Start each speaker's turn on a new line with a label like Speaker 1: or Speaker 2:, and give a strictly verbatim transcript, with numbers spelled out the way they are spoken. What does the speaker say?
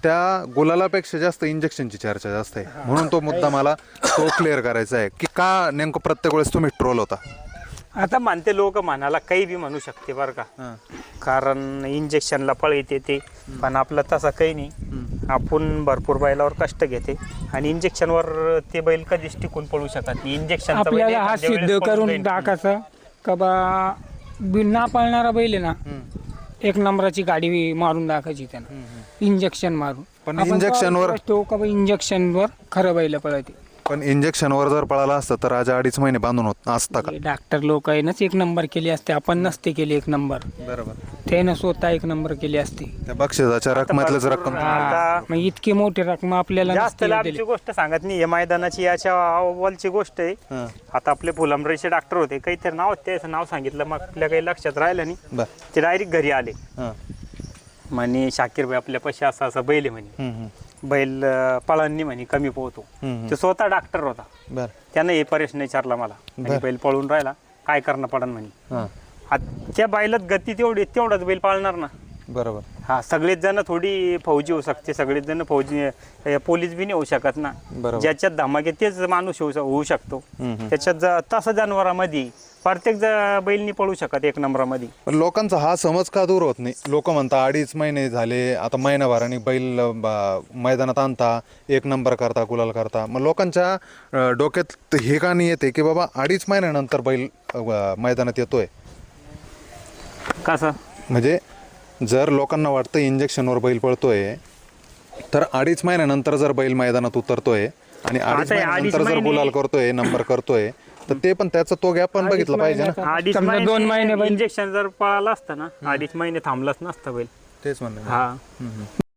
Speaker 1: त्या गुलालापेक्षा जास्त इंजेक्शनची चर्चा जास्त आहे, म्हणून तो मुद्दा मला तो क्लिअर करायचा आहे की का नेमकं प्रत्येक वेळेस तुम्ही ट्रोल होता.
Speaker 2: आता म्हणते लोक म्हणाला काही बी म्हणू शकते बरं का, कारण इंजेक्शनला पळ येते ते, पण आपलं तसं काही नाही. आपण भरपूर बैलावर कष्ट घेते आणि इंजेक्शनवर ते बैल कधीच टिकून पळू शकत नाही. इंजेक्शन
Speaker 3: आपल्याला हा सिद्ध करून टाकायचं का बा बिना पळणारा बैल आहे ना, एक नंबराची गाडी मारून टाकायची त्यांना इंजेक्शन मारून.
Speaker 1: पण
Speaker 3: आपण
Speaker 1: इंजेक्शनवर
Speaker 3: तो का बा इंजेक्शनवर खरं बैल पळते.
Speaker 1: पण इंजेक्शनवर जर पळाला असतं तर आज अडीच महिने बांधून होत असता का?
Speaker 3: डॉक्टर लोक आहे नाच एक नंबर केली असते, आपण नसते केली एक नंबर.
Speaker 1: बरोबर.
Speaker 3: त्यानं स्वतः एक नंबर केली असती.
Speaker 1: त्या बक्षिसाच्या रकमेतलंच रक्कम.
Speaker 3: हा, मग इतकी मोठी रक्कम आपल्याला
Speaker 2: जास्त
Speaker 3: नसती
Speaker 2: लांबची
Speaker 3: दिली.
Speaker 2: गोष्ट सांगत नाही, या मैदानाची याच्या अव्वलची गोष्ट आहे. आता आपले फुलंब्रीचे डॉक्टर होते, काहीतरी नाव त्याचं नाव सांगितलं, मग आपल्या काही लक्षात राहिलं नाही.
Speaker 1: बर.
Speaker 2: ते डायरेक्ट घरी आले
Speaker 1: हां.
Speaker 2: म्हणे शाकीर भाई आपल्या पैसे असा असा बैल आहे म्हणे, बैल अं, पळणनी म्हणे कमी पोहतो. ते स्वतः डॉक्टर होता.
Speaker 1: बर.
Speaker 2: त्यानं हे प्रश्न विचारला मला, म्हणे, बैल पळून राहिला काय करणं पडन म्हणे.
Speaker 1: हां.
Speaker 2: आता त्या बैलात गती तेवढी तेवढाच बैल पाळणार ना.
Speaker 1: बरोबर.
Speaker 2: हा, सगळेच जण थोडी फौजी होऊ शकते, सगळेच जण फौजी अं, पोलीस बी नाही होऊ शकत ना.
Speaker 1: बरोबर.
Speaker 2: ज्याच्यात धमाके तेच माणूस होऊ होऊ शकतो. त्याच्यात ज- तसं जनावरांमध्ये प्रत्येक ज- बैल नाही पळू शकत एक नंबरामध्ये.
Speaker 1: पण लोकांचा हा समज का दूर होत नाही? लोक म्हणता अडीच महिने झाले, आता महिनाभराने बैल बा- मैदानात आणता, एक नंबर करता, गुलाल करता. मग लोकांच्या अं, डोक्यात हे का नाही येते की बाबा अडीच महिन्यानंतर बैल अं, मैदानात येतोय?
Speaker 2: कसं
Speaker 1: म्हणजे जर लोकांना वाटतं इंजेक्शनवर बैल पळतोय, तर अडीच महिन्यानंतर जर बैल मैदानात उतरतोय आणि अडीच
Speaker 2: आता हे अडीच
Speaker 1: महिन्यानंतर जर
Speaker 2: महिने-
Speaker 1: गुलाल करतोय, नंबर करतोय, तर ते पण त्याचा तो गॅप पण बघितला पाहिजे ना.
Speaker 2: अडीच
Speaker 3: समजा दोन महिने बैल-
Speaker 2: इंजेक्शन जर पळाला असतं ना, अडीच महिने थांबलाच नसतं बैल.
Speaker 1: तेच म्हणणं.
Speaker 2: हा